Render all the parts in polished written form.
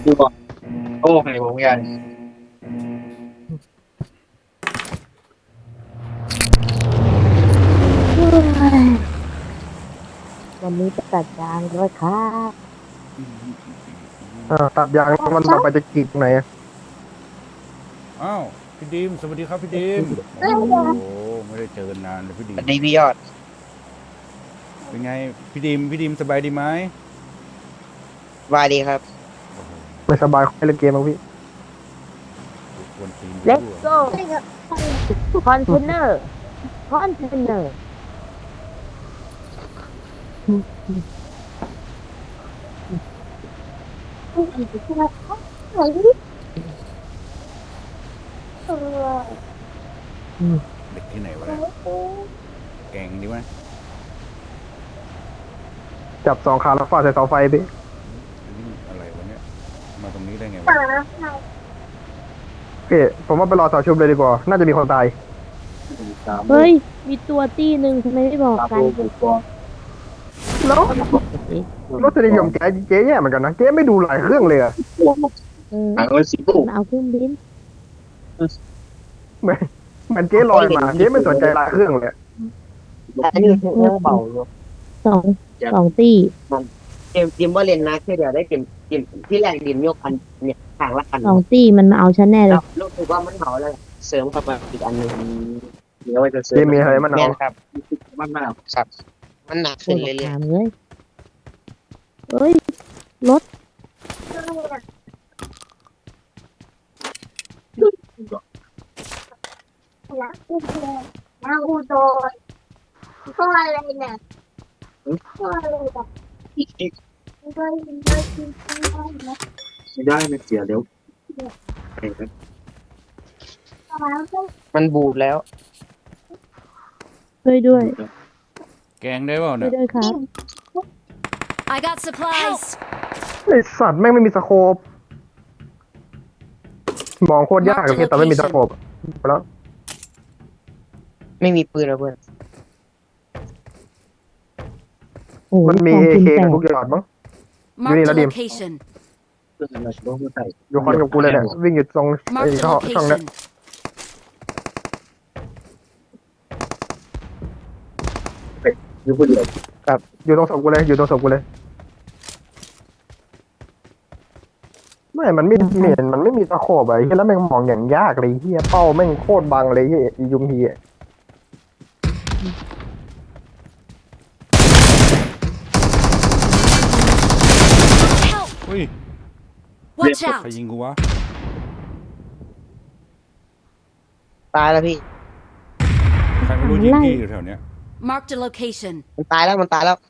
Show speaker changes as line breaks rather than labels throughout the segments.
ดูบอกโอ้ไงผมกัน
วันนี้จะตัดยางด้วยครับ
ตัดยางวันต่อไปจะกรีดตรงไหนอะ
อ้าวพี่ดีมสวัสดีครับพี่ดีมโอ้โหไม่ได้เจอกันนานเลยพี่ดีม
สวัสดีพี่ยอด
เป็นไงพี่ดีมสบายดีไหม
วายดีครับ
โอ้โห
ไม่สบายเล่นเกมบ้างพี่
ควรตีน
เล็ก
รั่ว
โก้คอนเทนเนอร์คอนเทนเนอร์
เด็กที่ไหนวะเนี่ยแกงดีวะ
จับสองขาแล้วฟาดใส่เสาไฟพี่
อันนี้อะไรวะเนี่ยมาตรงนี้ได้ไงวะ
พี่ผมว่าไปรอเสาชุบเลยดีกว่าน่าจะมีคนตาย
เฮ้ย มีตัวตี้หนึ่งทำไมไม่บอกกัน
แล้วรสนิยมเจ๊แย่เหมือนกันนะเจ๊ไม่ดูหลายเครื่องเลยอะ
หางเลยสิปุ๊บ
เอาเครื่องบิน
เหมือนเหมือนเจ๊ลอยมาเจ๊ไม่สนใจหลายเครื่องเลย
อันนี้เรื่องเบาอยู่
สองสองตี้
เกมว่าเล่นนะแค่เดียวได้เกมที่แรกดิมยกพันเนี่ยทางละพัน
สองตี้มันมาเอาฉันแน่เล
แล้
ยว
รู้สึกว่ามันเหมาแล้วเสริมเข้าไปอีกอันหนึ่งเดี๋ยวจะเสริ
เจ๊
ม
มีอะไรมันเอา
แม่นครับมันมากครับมันหนัก
โค
ขึ้น
ตร
เรื่อย
ถามเลยเฮ้ย รถ
รักอุดรรักอุดรก็อะไรเนี่ยก็อะไรแบบ
ๆ
ได้ได้กินได้นะ
ไม่ได้ไม่เสียเดี๋ยว
แล้วก็
มันบูดแล้ว
ด้วยด้วย
แกงได้เปล่า
ด้วย
เนี่ย
ด้วยครับ
I got supplies.
ไอสัตว์แม่งไม่มีสโคปมองโคตรยากเลยพี่แต่ไม่มีสโคปแล้ว
ไม่มีปืนแล้วเพื่อน
โอ้โห
มันมี
ของ
เอ
กิน
เค
แต
กับ
ก
ทุกอย่างมั้ง
Marked
Yun
a
yung nadim.
location.
เพื่อนเราต้องใส่
อยู่คอนกับกูเลยเนี่ยวิ่งอยู่ตรงไอ้
Marked a
ช่องเนี้ย
location.
อยู่คนเดียว
อยู่ตรงศพกูเลยอยู่ตรงศพกูเลยไม่มันไม่เห็นมันไม่มีตะโขบอะไอ้เหี้ยแล้วแม่งมองอย่างยากเลยเฮียเป้าแม่งโคตรบังเลยเฮียอียุงเฮีย
Help!
เฮ้ย
Watch
ใคร
out!
ยิงกูวะ
ตายแล้วพี่
ใครไม่รู้ยิงพี่อยู่แถวเนี้ย
Marked a location.
มันตายแล้วมันตายแล้ว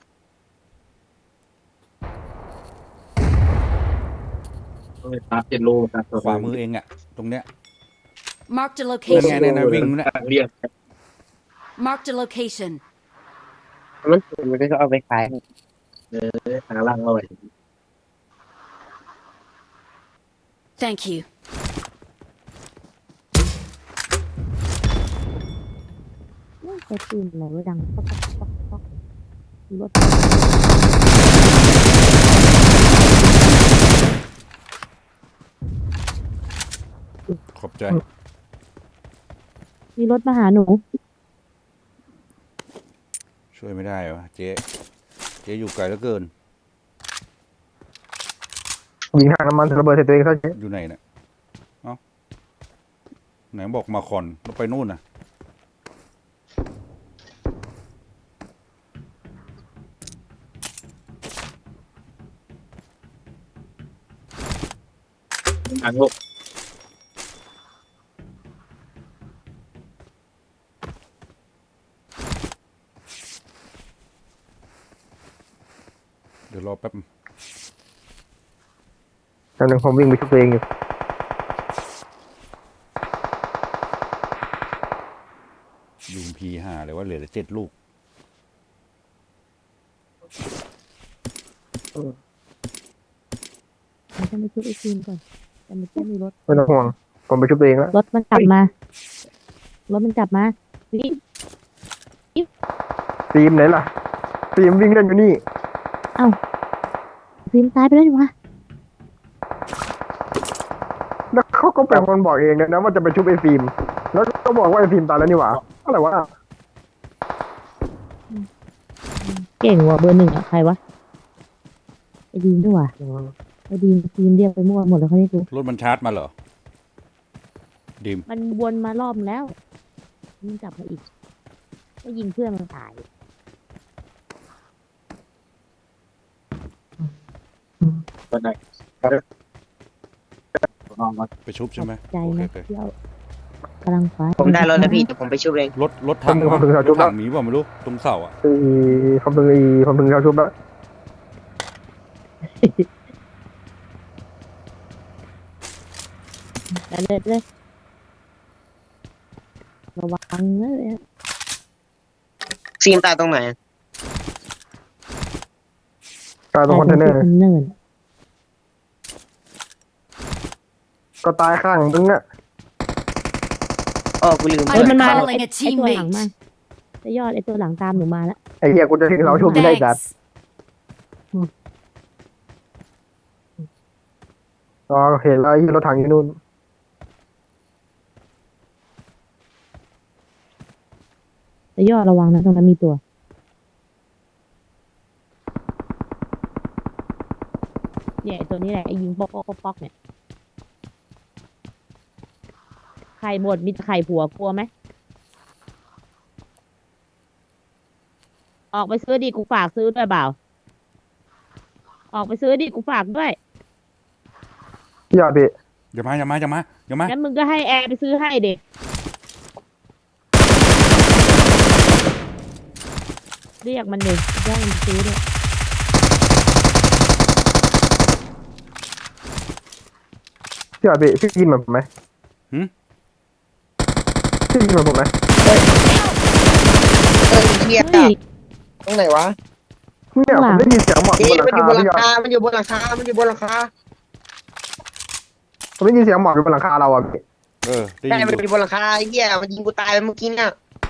ตาเจ็ดโลตา
ขวามือเองอะตรงเนี้ย
Marked a
นั่นไง
location.
นั่นนะวิ่งเนี่ย
เรียก
Marked a location.
มันก็เอาไปขาย
หาล่างเอาไว้
Thank you.
ไปตื่นไหนวะดังป๊อกป๊อกป๊อกรถ
ขอบใจ
มีรถมาหาหนู
ช่วยไม่ได้วะเจ๊อยู่ไกลเหลือเกิน
ยิงทางน้ำมันระเบิดใส่ตัวเองซะเจ๊
อยู่ไหนเนี่ยเอ้าไหนบอกมาคอนแล้วไปนู่นน่ะ
ทางโลก
เดี๋ยวรอแป๊บ
ตอนนึงผมวิ่งไปช่วยตัวเองอยู่
ยูมพีห้าเลยว่าเหลือแต่7 ลูก
มันจะไปช่วยไอ้ทีมก่อนแต่ไม่ใช่มีรถ
ไม่ต้องห่วงผมไปช่วยตัวเองแล้ว
รถมันกลับมา รถมันกลับมาวิ
ทีมไหนล่ะทีมวิ่งเล่นอยู่นี่
ฟิล์มตายไปแล้วดิวะ
เขาก็เป็นคนบอกเองนะว่าจะไปชุบไอ้ฟิล์มแล้วก็บอกว่าไอ้ฟิล์มตายแล้วนี่หว่าอะไรวะ
เก่งว่ะเบอร์หนึ่งอะใครวะไอ้ดีมด้วยว่ะไอ้ดีมทีมเรียกไปมั่วหมดแล้วเขาเรียกกู
รถมันชาร์จมาเหรอดิม
มันวนมารอบแล้วมันกลับมาอีกก็ยิงเพื่อนมันตาย
ตอนไหนนอนมา
ไปชุบใช่ไหม
ใจ
โอเค
นะ
โอเค
เที่ยวกำลังฟ้า
ผมได้รถแล้วพี่เดี๋ยวผมไปชุบเอง
รถถังวะรถถังมีว่าไม่รู้ตรงเสาอ่ะ
ผมถึงเขาชุบแล้ว
แต่เลยระวังนะเลย
ฟิล์มตายตรงไหน
ตายตรงคอนเทนเนอร์
เนิน ก็
ก็ตายข้างมึงอะ
อ๋อกูลืม
เฮ้ยมันมา
I'm
แล้ว
calling
ไอ้
a
ตัวหลังมา
teammate.
จะยอดไอ้ตัวหลังตามหนูมาแล้ว
ไอ้เหี้ยกูจะถึงเราชุบไม่ได้จัด
Thanks.
อ๋อเห็นแล้วไอ้รถถังอยู่นู่น
จะยอดระวังนะตรงนั้นมีตัวเนี่ยไอ้ตัวนี้แหละไอ้ยิงป๊อกป๊อกป๊อกเนี่ยไข่หมดมีไข่ผัวกลัวไหมออกไปซื้อดิกูฝากซื้อด้วยเปล่าออกไปซื้อดิกูฝากด้วย
อย่าพี่
อย่ามา
งั้นมึงก็ให้แอร์ไปซื้อให้เด็กเรียกมันเด็กย่ามันซื้อด้วย
อย่าพี่พี่กินเหมือนผมไหมพี่กินเหมือนผมไหม
เฮีย
เฮ้ย
ตรงไหนวะ
เนี่ยผมได้ยินเสียงหมอก
เอ๊ะ
บนหลั
มัน
ง
อยู่
คา
บนหลั
พี่
ง
ยอด
คามันอยู่บนหลังคามันอยู่บนหลังคา
ผมได้ยินเสียงหมอกอยู่บนหลังคาเราอ่ะพี่
ได้
ใช่
ยิน
มันอยู่บนหลังคาไอ้เหี้ยมันยิงกูตายเมื่อกี้เนี่ย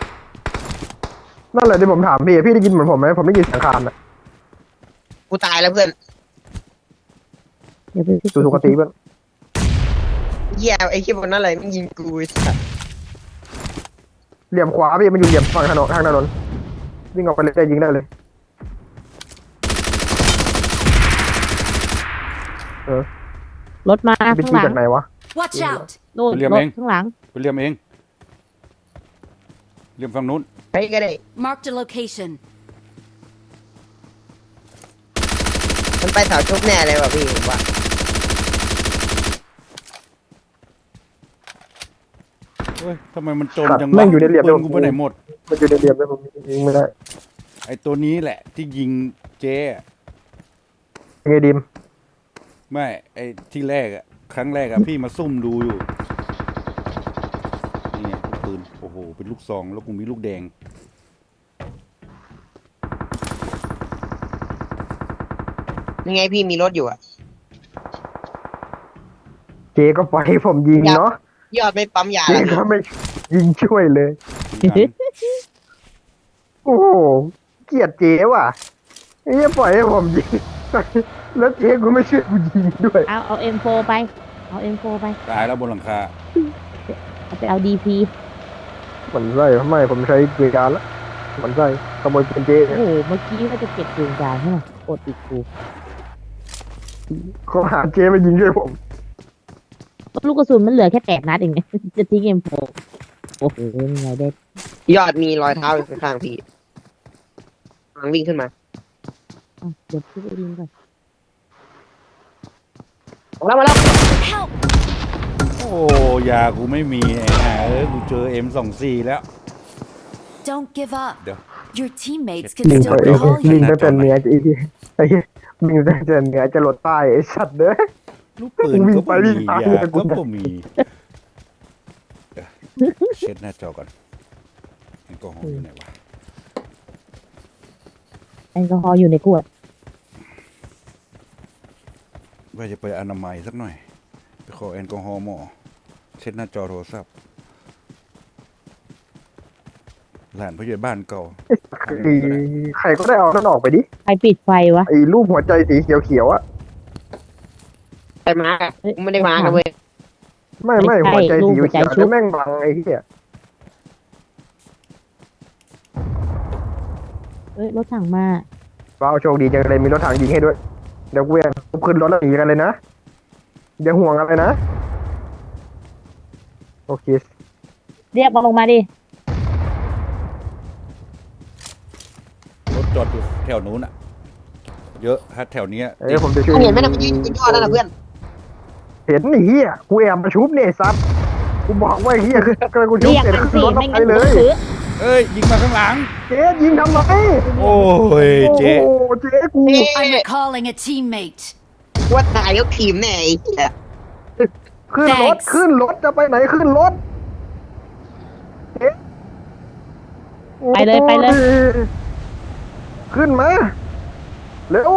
นั่นแหละที่ผมถามพี่พี่ได้ยินเหมือนผมไหมผมได้ยินเสียงคานอ่ะ
กูตายแล้วเพื่อน
เดี๋ยวไป
ดูสุกติเพื่อน
เหี้ยไอ้เหี้ยบนนั้นอะไรมันยิงกูไอ้สัส
เหลี่ยมขวาพี่มันอยู่เหลี่ยมฝั่งถนนทางถนนวิ่งออกไปเลยได้ยิงได้เลย
รถมา
เป็น
ข้าง
ที่
หลัง
จากไหนวะ
Watch out.
นู่นรถข้างหลัง
ไปเรียมเองเรียมฝั่งนู้น
ไปก็ได้
Marked a location.
มันไปแถวชุบแน่เลยว่ะพี่ผมว่า
เฮ้ยทำไมมันจน
ครับ
จัง
แม่
วะ
งอยู่ในเหลี่ยม
ปืนกูไปไหนหมด
มันอยู่ในเหลี่ยมเลยผมยิงไม่ได้
ไอ้ตัวนี้แหละที่ยิงเจ๊อะ
ยังไงดิม
ไม่ไอ้ที่แรกอะครั้งแรกอะพี่มาซุ่มดูอยู่นี่ไงลูกปืนโอ้โหเป็นลูกซองแล้วกูมีลูกแดง
ยังไงพี่มีรถอยู่อะ
เจก็ปล่อยให้ผมยิงเนาะ
ยอดไม่ปั๊มยา
เจ
แล้ว
ก็ไม่ยิงช่วยเลย
มีอัน
โอ้โหเกลียดเจว่ะไอ้เหี้ยปล่อยให้ผมยิง แล้วเจก็ไม่ช่วยกูยิงด้วย
เอา M4 ไปเอา M4 ไป
ตายแล้วบนหลังคา
เอาไปเอา DP
มันไส้ไม่ผมใช้เกียร์การแล้วมันไส้ขโมยเป็นเจ
โอ้โหเมื่อกี้ก็จะเก็บปืนกลางใช่ไหมกดอีกกู
เขาหาเจมายิงช่วยผม
ลูกกระสุนมันเหลือแค่8 นัดเอง จะทิ้ง M4 โอ้โหยังไงได้
ยอดมีรอยเท้าอยู่ข้างๆพี่กำลังวิ่งขึ้นมา
อ่ะเดี๋ยวพี่ไปยิงก่อน
มาแล้ว
Help.
โอ้ยากูไม่มีไอ้ห่ากูเจอ M24 แล้ว
Don't give up.
Được.
Your teammates
ยิ
can
ง
still
ไป
recall
ยิง
you.
ไปเป็นเมียไอ้เหี้ยไอ้เหี้ยยิงไปเป็นเมียจะหลดใต้ไอ้สัตว์เด้อ
ลูกปืน
วิ่ง
ก็
ไป
ไม่
วิ่ง
มี
ตาม
ยา
เลยกู
ก็
จะ
ไม่มีเดี๋ยวเช็ดหน้าจอก่อนแอลกอฮอล์อยู่ไหนวะ
แอลกอฮอล์อยู่ในขวด
ว่าจะไปอนามัยสักหน่อยไปขอแอลกอฮอล์หมอเช็ดหน้าจอโทรศัพท์หลานผู้ใหญ่บ้านเก่า
ใครก็ได้เอานั่นออกไปดิ
ใครปิดไฟวะ
ไอ้รูปหัวใจสีเขียวๆอ่ะ
ไปมากูไม่ได้มากันเว้ย
ไม่หัวใจสีเขียวเนี่ยแม่งบังไอ้เหี้ย
เอ้ยรถถังมา
ว้าวโชคดีจังเลยมีรถถังยิงให้ด้วยเดี๋ยวกูจะขึ้นรถแล้วหนีกันเลยนะอย่าห่วงอะไรนะโอเค
เรียกมันลงมาดิ
รถจอดอยู่แถวนู้นอ่ะ เยอะถ้าแถวเนี้ย
ผมจะช่วย
เห็นไหมนะมันยืนยอดนั่นนะเพื่อน
เห็นไอ้เหี้ยกูแอบมาชุบเนี่ยซับกูบอกว่าไอ้เหี้ยคือกูชุบ
เรียก
เสร็จ
มัน
ขึ้น
สิ
รถ
ไม่
ไป
งั้น
เล
กู
ย
ซื้อ
เอ้ยยิงมาข้างหลัง
เจ๊ยิงทำไม
โอ้ยเจ๊
โอ้เจ๊กู
I'm recalling a teammate.
ว่าตายยกทีมแน่ไอ้เหี้ย
ขึ้นรถ
Thanks
ขึ้นรถจะไปไหนขึ้นรถเจ๊
ไปเลยไปเลย
ขึ้นมาเร็ว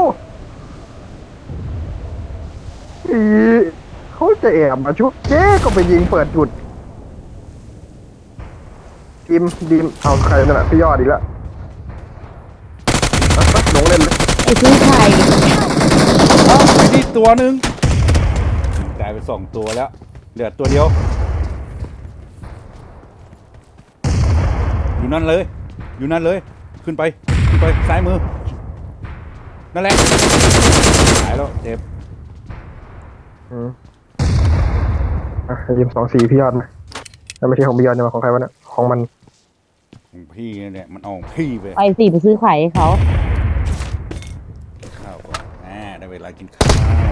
อีเขาจะแอบมาชุบเจ๊ก็ไปยิงเปิดจุดดิมเอาใครนั่นแหละพี่ยอดอีกแล้วอ่ะลงเล่นเลย
ไอ้ซื้อไข่
ไอ้นี่ตัวหนึ่งกลายเป็น2 ตัวแล้ว เหลือตัวเดียว อยู่นั่นเลย อยู่นั่นเลย ขึ้นไปซ้ายมือ นั่นแหละหายแล้วเจ็บ
ยิม24พี่ยอดนะแล้วไม่ใช่ของพี่ยอดนะของใครวะเนี่ยของมัน
ของพี่เนี่ยมันเอาของพี่ไป
ไปสิไปซื้อไข่ให้เขา
ข้าวก่อนได้เวลากินข้าว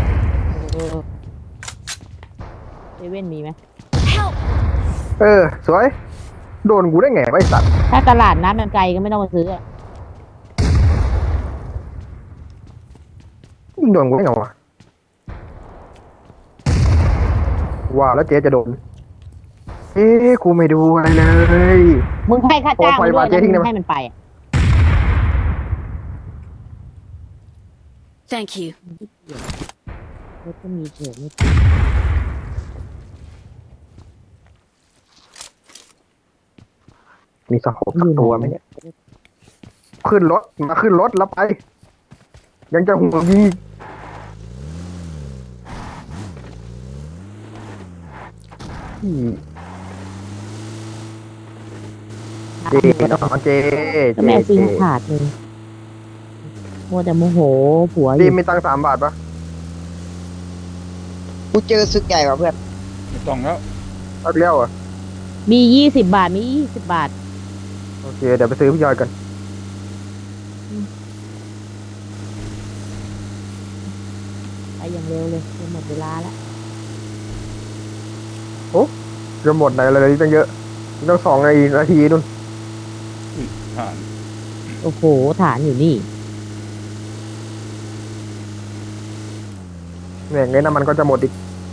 เซเว่นมีไหม
Help!
สวยโดนกูได้ไงไอ้สัตว์
ถ้าตลาดน้ำมันไกลก็ไม่ต้องมาซื้ออะ
ยิงโดนกูได้ไงวะว่าแล้วเจ๊จะโดนกูไม่ดูอะไรเลย
มึงให้ค่าจ้างมันด้วย
โอ้ไฟบาดเจ๊ทิ้งได้
นะ
ไหม
มึงให้มันไปอะ
Thank you.
รถก็มีเฉยไม่
มีสะโพกสักตัวไหมเนี่ยขึ้นรถมาขึ้นรถแล้วไป ยังจะห่วงยิงเจ๊เจ๊
ก็แม่ซิงขาดเลยมัวแต่โมโหผัวอ
ดี
ยู่
มีตังค์3 บาทปะ
กูเจอศึกใหญ่กว่าเพื่อน
ไม่ต้องแล้ว
เอาเลี้ยวอ่ะ
มี20 บาทมี20 บาท
โอเคเดี๋ยวไปซื้อพี่ยอยกัน
ไปอย่างเร็วเลยจะหมดเวลาแล้ว
จะหมดไหนเลยตั้งเยอะต้อง2 นาทีนู่น
ผ่าน
โอ้โหฐานอยู่นี่
เนี่ยไงน้ำมันก็จะหมดอีก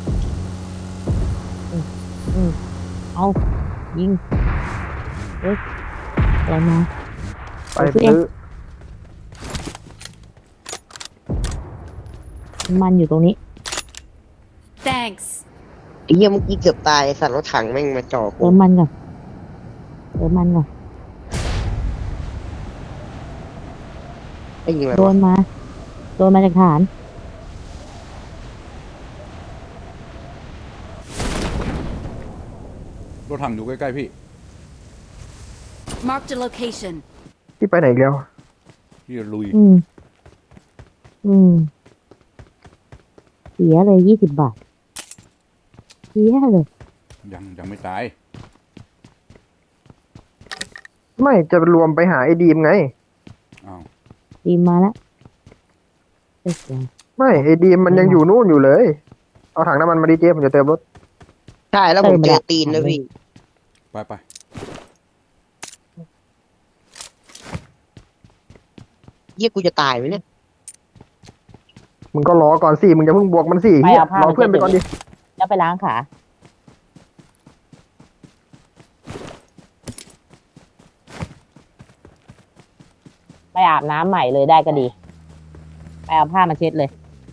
เอายิงเอ้ยอะไรมา
ไปซื้อ
มันอยู่ตรงนี้
Thanks.
ไอ้เหี้ยเมื่อกี้เกือบตายไอ้สัตว์รถถังแม่งมาจ่อกู
เติมมันก่อนเติมมันก่อน
ไอ้ยิงอะไร
โด
วะ
นมาจากฐาน
รถถังอยู่ใกล้ๆพี่
Marked a location.
ที่ไปไหนอีกแล้ว
พี่จะลุย
เสียเลย20 บาทเสียเลย
ยังไม่ตาย
ไม่จะรวมไปหาไอ้ดีมไง
อ้าว
ตีมมาแล้วเอ้ยเสีย
ไม่ไอ้ดีมมันยังอยู่นู่นอยู่เลย เอาถังน้ำมันมาดิเจ๊ผมจะเติมรถ
ใช่แล้วผมเจอตีนแล้วพี่
ไป
เหี้ยกูจะตายไหมเนี่ย
มึงก็รอก่อนสิมึงจะเพิ่งบวกมันสิเฮียรอเพื่อนไปก่อนดิ
แล้วไปล้างขา ไปอาบน้ำใหม่เลยได้ก็ดี ไปเอาผ้ามาเช็ดเลย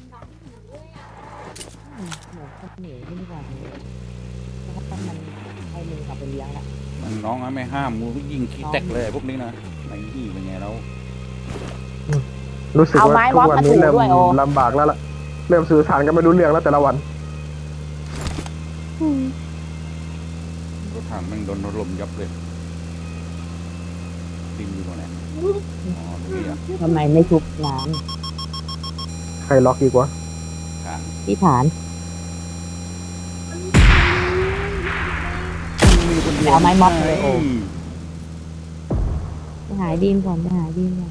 ให้มึงกลับไปเลี้ยงละ
มันน้องนะไม่ห้ามมูก็ยิงขี้แตกเลยพวกนี้นะไอ้นี่เป็นไงแล้ว
รู้สึก
เอา
ว่า
ไม้
ทุ
ม็อบ
กวัน
มา
นี้
ถู
เริ่ม
ด้วยโอ
ลำบากแล้วล่ะเริ่มสื่อสารกันไม่รู้เรื่องแล้วแต่ละวัน
รถถังแม่งโดนถล่มยับเลยดิมอยู่ตรงไหนอ๋อตรงนี้อ่ะ
ทำไมไม่ทุบน้
ใครล็อกดีกว่า
ทาง
ำที่ฐาน เอาไม้ม็อบเลย ไปหาดีมก่อนไปหาดีมก่อน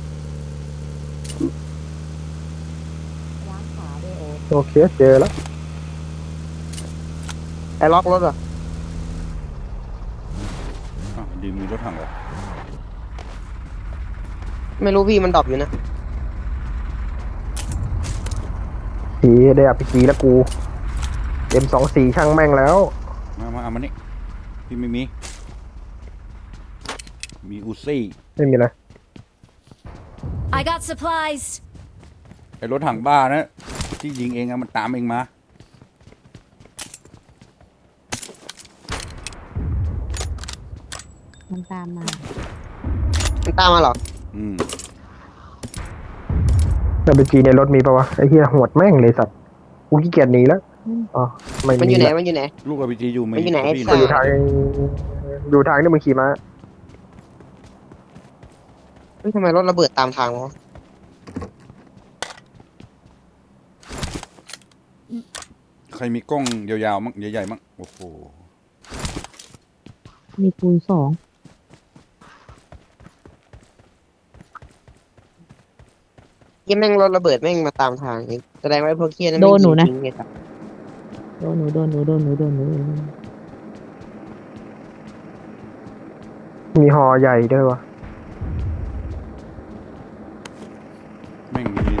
ล้างขาด้วยโอ้
โอเคเจอแล้ว
ไอ้ล็อกรถเหรอ
อ้าวดิมมีรถถังเหรอ
ไม่รู้พี่มันดรอปอยู่นะ
สีได้อภิจีแล้วกู M24 ช่างแม่งแล้ว
มาเอามานี่พี่ไม่มีอูซี่
ไม่มีอะไร
I got supplies.
ไอ้รถถังบ้านะที่ยิงเองอะมันตามเองมา
มันตามมา
มันตามมาเหรอ
อืม
อภิจีในรถมีปะวะไอ้เหี้ยโหดแม่งเลยสัตว์กูขี้เกียจหนีแล้วอ๋อไม่
มันอ
มี
ยู่ไหน
ละ
มันอยู่ไหน
ลูกอ p g อยู่
มันอยู่ไหน
กับพี่
ไอ้
อยู่
สั
ทา
ต
ง
ว์
อยู่ทางที่มึงขี่ม้า
เฮ้ยทำไมรถระเบิดตามทางวะ
ใครมีกล้องยาวๆมั้งใหญ่ๆมั้งโอ้โห
มีคูณ2
ยี่แม่งรถระเบิดแม่งมาตามทางนี่แสดงว่าไอ้พวกเคียนั่น
โดนหนูนะ
แม่งยิงทิ้งไงครับ
โดนหนูโดนหนูโดนหนูโดนหนู
มีหอใหญ่ด้วยวะ
แม่งมี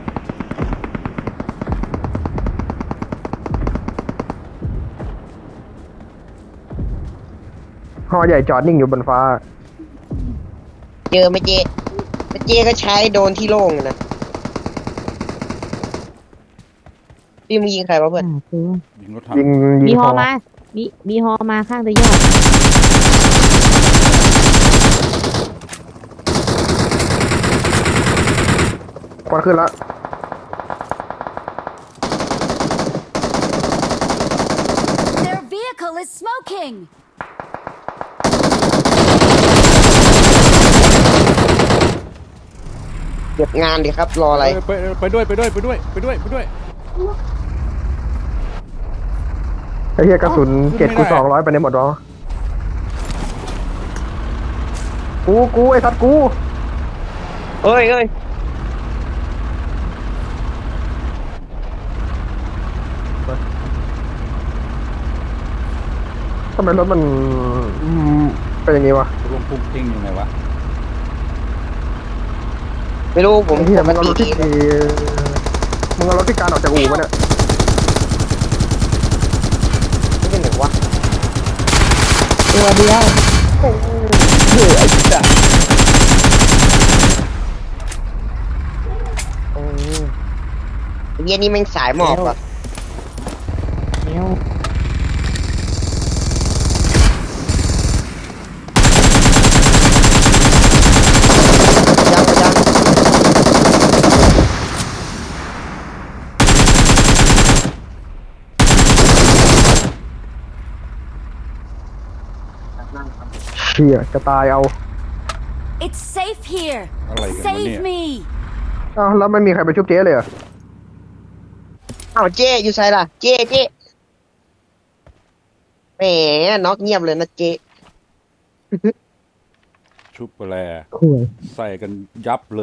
หอใหญ่จอดนิ่งอยู่บนฟ้า
เจอไม่เจไม่เจก็ใช้โดนที่โล่งนะพี่มึงยิงใครวะเพื่อน
ตัว
ยิงรถถัง
ยิง
มี
ยิง
ฮ
ห
อ
อ
มา มีฮอมาข้างตะยอด
ควันขึ้นแล้ว
Their vehicle is smoking.
เก็บงานดิครับรออะไร
ไปด้วย
ไอ้เหี้ยกระสุน
ขึ้นไม่ได้
7x200ไปในหมดวะกูไอ้สัตว์กู
เอ้ย
ทำไมรถมันเป็นอย่างงี้วะ
ลงพุ่งติ้งอยู่ไหนวะ
ไม่รู้ผม
ไอ้เหี้ยมึงเอารถ
ดี
ที่มึงเอารถที่การออกจากอู่มาเนี่ย
ไม่เป็นไหนวะ
ตัวเดียว
เย็นนี้แม่งสายหมอบอ่ะ
เนี้ยว
ยัง
เหี้ยจะตายเอา
It's safe here.
อะไรกันวะ
Save
เนี่ย
me.
อ้าวแล้วไม่มีใครไปชุบเจ๊เลยเหรอ
อ้าวเจอยู่ไซล่ะ เจแหมน็อกเงียบเลยนะเจ
ชุบไปแล
ข่วย
ใส่กันยับเลย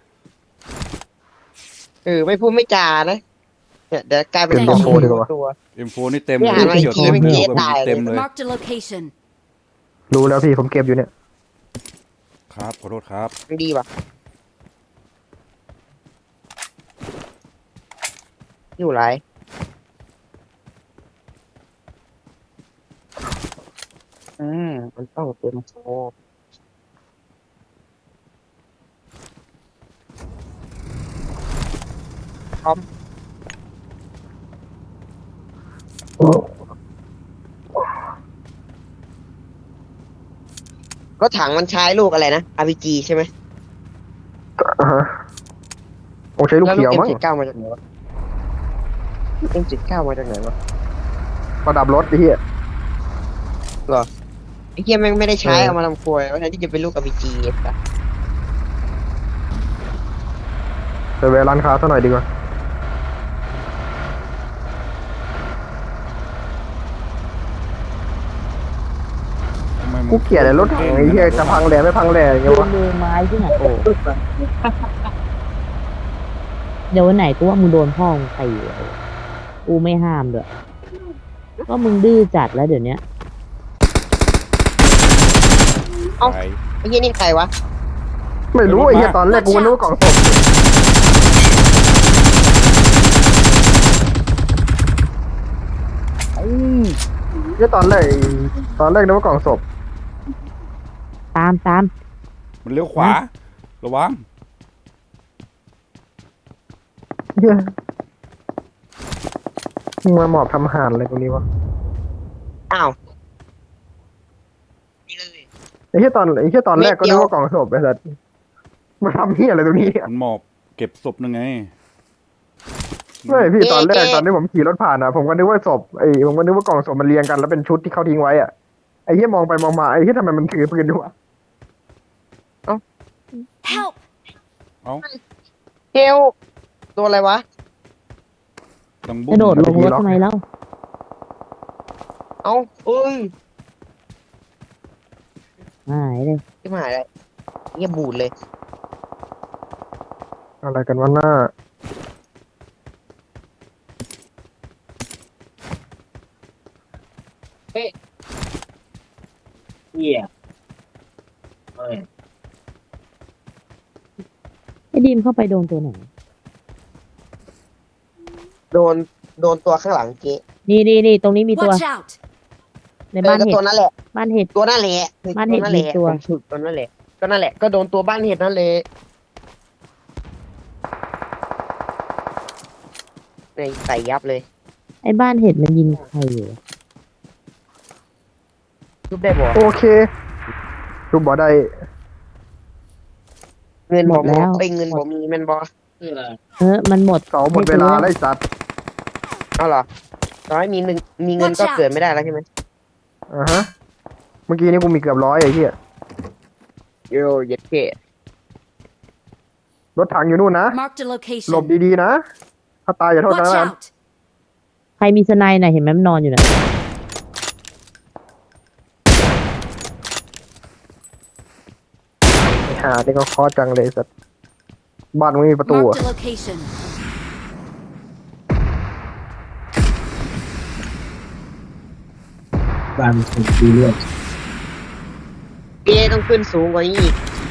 ไม่พูดไม่จานะเนี่ยเดี๋ยวกลายเป็น
เป็น
สอง
โฟดีกว่า
ตัว
M4 นี่เต็ม
เนี่ย
เลย
อะไร
เขียว
ที
เต็ม
ไม่
เลย
เจ๊
ลูก
ตาย
เต็มเลย
Marked a location.
รู้แล้วพี่ผมเก็บอยู่เนี่ย
ครับขอโทษครับ
มันดีว่ะอยู่ไรมันต้องเป็นโฟพร้อมรถถังมันใช้ลูกอะไรนะ RPG ใช่ไหม
อ่าฮะคงใช้ลูก
แล้ว
เขียว
ลูก
มั้ง
M79 มาจากไหนวะลูก M79 มาจากไหนวะ
ประดับรถไอ้เหี้ย
ไอ้เหี้ยแม่งไม่ได้ใช้
เออ
เอามาทำครัววันนั้นที่จะเป็นลูกกับพีจีอะ
ไปแวะร้านค้าซะหน่อยดีกว่า
ทำไมมึง
กูเกลียดไอ้รถถังไอ้เหี้ยจะพังแหล่ไม่พังแหล่อย่าง
โด
เงี้ยวะ
นมือไม้ที่ไหนโอ้เดี๋ยววันไหนกูว่ามึงโดนพ่อมึงตีกูไม่ห้ามด้วยก็มึงดื้อจัดแล้วเดี๋ยวนี้
ไป
ไอ้เหี้ยนี่ใครวะ
ไม่รู้ไอ้เหี้ยตอนแรกกูก็นึกว่ากล่องศพไอ้เหี้ยตอนแรกนึกว่ากล่องศพ
ตาม
มันเลี้ยวขวา ระวัง
เหี้ยมึงมาหมอบทำอาหารอะไรตรงนี้วะ
อ้าวนี่เลย
ไอ้เหี้ยตอนแรกก็นึกว่ากล่องศพไอ้สัสมาทำเหี้ยอะไรตรงนี้เนี่ย
มันหมอบเก็บศพนึงไง
ไม่พี่ตอนแรกตอนที่ผมขี่รถผ่านอ่ะผมก็นึกว่าศพผมก็นึกว่ากล่องศพมันเรียงกันแล้วเป็นชุดที่เขาทิ้งไว้อ่ะไอ้เหี้ยมองไปมองมาไอ้เหี้ยทำไมมันถือปืนอยู่วะ
Help!
เอ้า
เฮลโดนอะไรวะ
ดัง
ก
บุ้
ระโดดลงรถ
ล็อก
ทำไมเล่า
เอ้าเอ้ย
หายเลย
ที่หายเลยเหี้ยบูดเลย
อะไรกันวะหน้า
เหี้ย
ไอ้ดีมเข้าไปโดนตัวไหน
โดนตัวข้างหลังเจ๊
นี่ตรงนี้มีตัว
Watch out!
ในบ้าน
ก็
เห็
ตัว
ด
นั่นแหละ
บ้านเห็ด
ตัวนั่นแหละ
บ้านเห็ด
นั่นแหละ
มีตัว
ผมฉุดตัวนั่นแหละก็นั่นแหละก็โดนตัวบ้านเห็ดนั่นเลยในใส่ยับเลย
ไอ้บ้านเห็ดมันยิงใครอยู่วะ
ทุบได้บ่
โอเครูปบ่ได้
เงินผมไปเงินผมมีแมันบ่
มันหมด
เสาหมดเวลาไล่สัตว์
เอาเหรอตอนให้มีเงินก็เกิดไม่ได้แล้วใช่ไหม
อ่าฮะเมื่อกี้นี่กูมีเกือบ100ไอ้เหี้ย
โยเย็ดเก้
รถถังอยู่นู่นนะ
Marked a
หลบ
location.
ดีๆนะถ้าตายอย่าโทษ
Watch
นะ
out!
ใครมีสไนด์น่ะเห็นไหมมันนอนอยู่น่ะ
หานี่ก็คอจังเลยสัตว์บ้านไม่มีประตูอะ
Marked a location.
บ้านคนดีเรื่อง
เก้ต้องขึ้นสูงกว่านี้อีก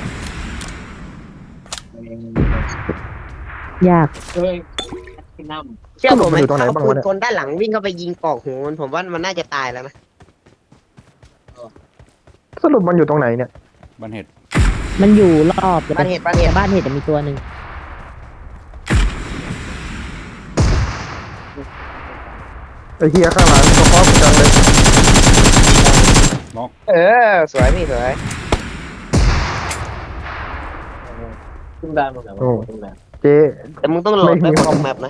ยาก
เชื่อผมไหมถ้าเอาปืนกลด้านหลังวิ่งเข้าไปยิงกอกหัวมันผมว่ามันน่าจะตายแล้วนะ
สรุปมันอยู่ตรงไหนเนี่ย
บันเห็ด
มันอยู่รอบแต่
บ้านเห็ด
บ้านเห็ดมีตัวหนึ่ง
ไอ้เหี้ยข้างหลังก็คอจังเลย
เออสวยพี่สวย
ขึ้นได้หมดแล้ว
โอ้เจ๊
แต่มึงต้องโหลด
ไม่
ไป
มี
คอมแมปนะ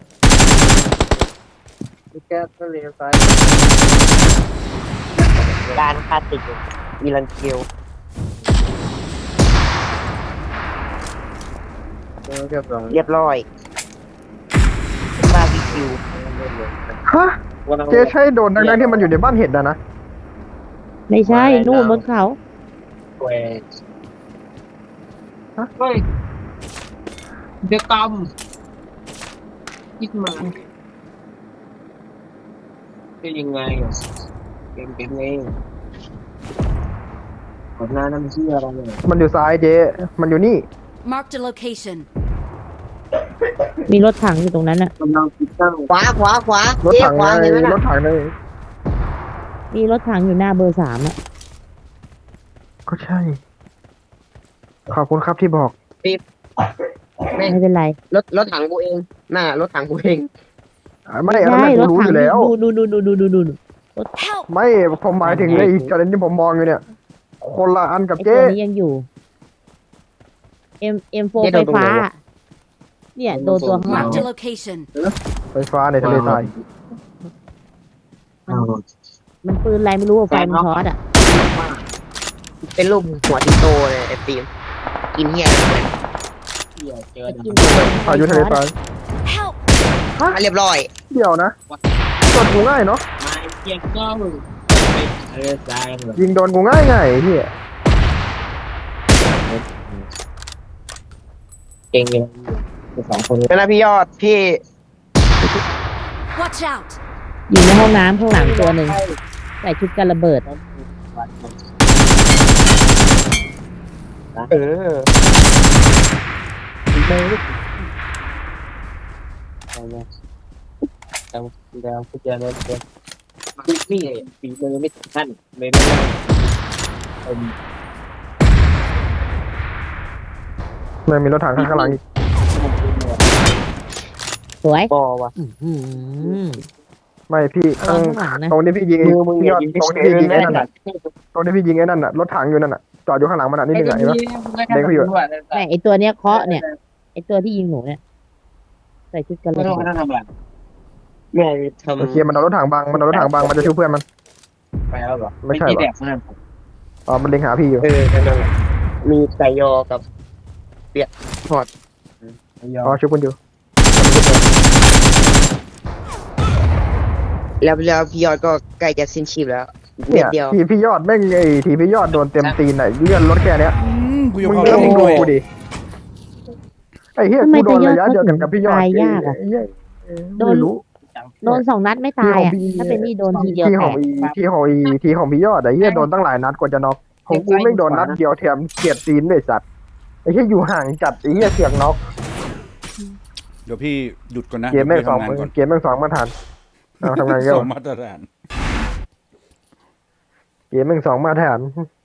การคาติกอีลันเคียวเรียบร้อยบาร์บีคิว
ฮะเจ๊ใช่โดนดังๆที่มันอยู่ในบ้านเห็ดนะ
ไม่ใช่นู่นบนเขา
แหว
เฮ้ยเดือกรรมคิดมาเป็นยังไงเป็นไงกดหน้าน้ำเชื่ออะไรเนี่ย
มันอยู่ซ้ายเจ๊มันอยู่นี่
Marked a location.
มีรถถังอยู่ตรงนั้นน่ะ
กำลังติดตั้งขวาร
ถ
เจ๊
ถัง
ขวา
ใน
เห็นไหม
ร
น่ะ
ถถังใน
มีรถถังอยู่หน้าเบอร์3อ่ะ
ก็ใช่ ขอบคุณครับที่บอก
ไม่
ไม่เป็นไร
รถถังกูเองน่ารถถังกูเอง
ไม่อันนั้น
ใช่
กู
รถ
รู้
ถั
อง ยู่แล้ว
ดู
Help!
ไม่ผมหมายถึงไอ้กรณีที่ผมมองอยู่เนี่ย คนละอันกับ
ไอ้
เจ๊
ตัวนี้ยังอยู่ M4 ไฟฟ้า เนี่ยโดนตัวข้างหลัง
Marked a location.
ไฟฟ้าในทะเลทราย
มมันปืนอะไรไม่รู้อะไฟมันช็อตอ่ะ
เป็นรูปหัวติโตเลยไอ้ฟิล์มกินเหี้ยอะไรเนี่ย
เที่ยวเจอ
ไอ้
ด
กิน
พายุทะเลทราย
Help!
เรียบร้อย
เดี๋ยวนะโดนกูง่ายเนาะ
ไม้เที่ยงก็ไปทะเลทรายแบบ
ยิงโดนกูง่ายไงไอ้เฮีย
เก่งเลยสองคน
เป็นไรพี่ยอดพี่
Watch out!
อยู่ในห้องน้ำข้างหลังตัวหนึ่งใส่ชุดกันระเบิด
เออ
แล้วคุณจะเล่นเกมนี่ฝีมือไม่ถึงขั้นไม่ได้เป็น
มันมีรถถังข้างหลังอีก
สวย
บอว่ะ
อื้อหือ
ไม่พี่
ตอนข้างหลังนะ
ตรงที่พี่ยิง
มือมึง
พี่ยอด
ยิง
ตรงที่พี่ยิงไอ้นั่นน่ะตรงที่พี่ยิงไอ้นั่นน่ะรถถังอยู่นั่นน่ะจอดอยู่ข้างหลังมันน่ะนิดนึงอ่ะเห็นปะ
แม่ไอตัวเนี้ยเคาะเนี่ยไอตัวที่ยิงหนูเนี่ยใส่ชุดกันระ
ไม่
เบิ
ต้อง
ด
ทำอะไร
แม่ทำ
โอเคมันเอารถถังบังมันเอารถถังบังมันจะช่วยเพื่อนมัน
ไปแล้วเหรอ
ไม่ใช่
ไม่
หรอ
แดกนั่น
อ๋อมันเล็งหาพี่อยู่
นั่นแหละมีไก่ยอกับเปียกทอด
ยอ
อ๋อ
ม
ช่วยคุณอยู่
แล้วพี่ยอดก็ใกล้จะสิ้นชีพแล้วเม็
เนี่
ด
ย
เดียว
ทีพี่ยอดแม่งไอ้ทีพี่ยอดโดนเต็มตีนไหนเลื่อนรถแค่เนี้ย
กูยก
มึง
เอา
เลื่อน
เอง
ดู
ด้วย
กูดิไอ้เหี้ย
ทำไม
กูโดน
จะยอด
ระยะเดียวกันกับพี่ยอด
ตายยากอะ
ไเหี้ย
โดน
ไม่รู้
โดน2 นัดไม่ตายอ่ะถ้าเป็นนี่โดนทีเดียว
ที่
แต
ของ
ก
ทีของพี่ยอดไอ้เหี้ยโดนตั้งหลายนัดกว่าจะน็อกของกูไม่งโดนนัดเดียวแถมเฉียดตีนเลยสัตว์ไอ้เหี้ยอยู่ห่างจัดไอ้เหี้ยเสียงน็อก
เดี๋ยวพี่หยุดก่อนนะ
เกมแม่ง
ดี๋ยว
สอง
พี่ทำงานก่อน
เกมแม่งสองมาทานเอาทำงานเย
ส
อะ
องมาตรฐาน
เกมแม่งสองมาทาน